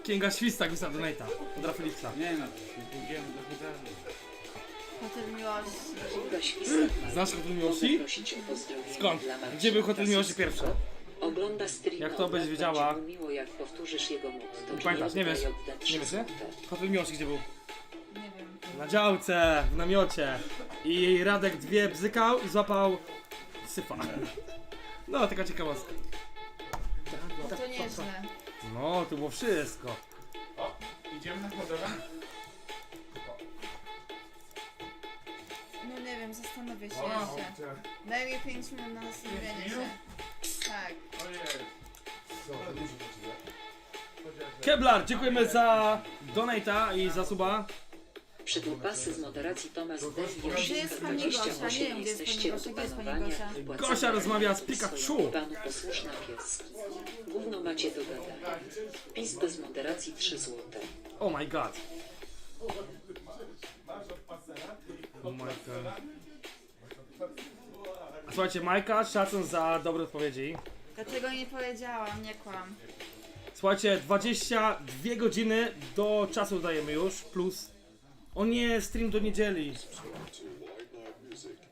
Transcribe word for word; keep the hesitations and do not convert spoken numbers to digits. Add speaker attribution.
Speaker 1: Księga Świstak wysłał donate'a od Rafeliksa.
Speaker 2: Nie no, pójdziemy do hotelu.
Speaker 3: Hotel Miłości.
Speaker 4: Kinga Świstak ma
Speaker 1: Znasz Hotel Miłości?
Speaker 4: prosić o pozdrowienie
Speaker 1: Skąd?
Speaker 4: dla Marcina
Speaker 1: Gdzie był Hotel Miłości
Speaker 4: Tasowskiego.
Speaker 1: pierwszy?
Speaker 4: Ogląda streama.
Speaker 1: Jak to
Speaker 4: od
Speaker 1: będziesz
Speaker 4: lat,
Speaker 1: wiedziała?
Speaker 4: będzie mu miło, jak powtórzysz jego motto.
Speaker 1: Pamiętasz, nie wiesz? Nie wiesz, nie? Hotel Miłości gdzie był?
Speaker 3: Nie wiem.
Speaker 1: Na działce, w namiocie. I Radek dwie bzykał i złapał syfa. No, taka ciekawostka.
Speaker 3: To nieźle.
Speaker 1: No, to było wszystko.
Speaker 2: O, idziemy na hodowę?
Speaker 3: No nie wiem, zastanowię się
Speaker 2: O,
Speaker 3: jeszcze. Daj mi pięć minut na zastanowienie się. Tak.
Speaker 2: ojej.
Speaker 1: Keblar, dziękujemy za donate'a i za suba.
Speaker 4: Przydłupasy z moderacji Tomasz D.
Speaker 3: Gdzie jest pani Gosia? Nie wiem, gdzie jest pani Gosia. Gdzie jest pani Gosia?
Speaker 1: Gosia rozmawia z Pikachu.
Speaker 4: Panu posłuszne pieski. Gówno macie do gadania. PiS bez moderacji trzy złote.
Speaker 1: Oh my god. Oh my god. Słuchajcie, Majka, szacun za dobre odpowiedzi.
Speaker 3: Dlaczego nie powiedziałam? Nie kłam.
Speaker 1: Słuchajcie, dwadzieścia dwie godziny do czasu dajemy już, plus... O nie, stream do niedzieli.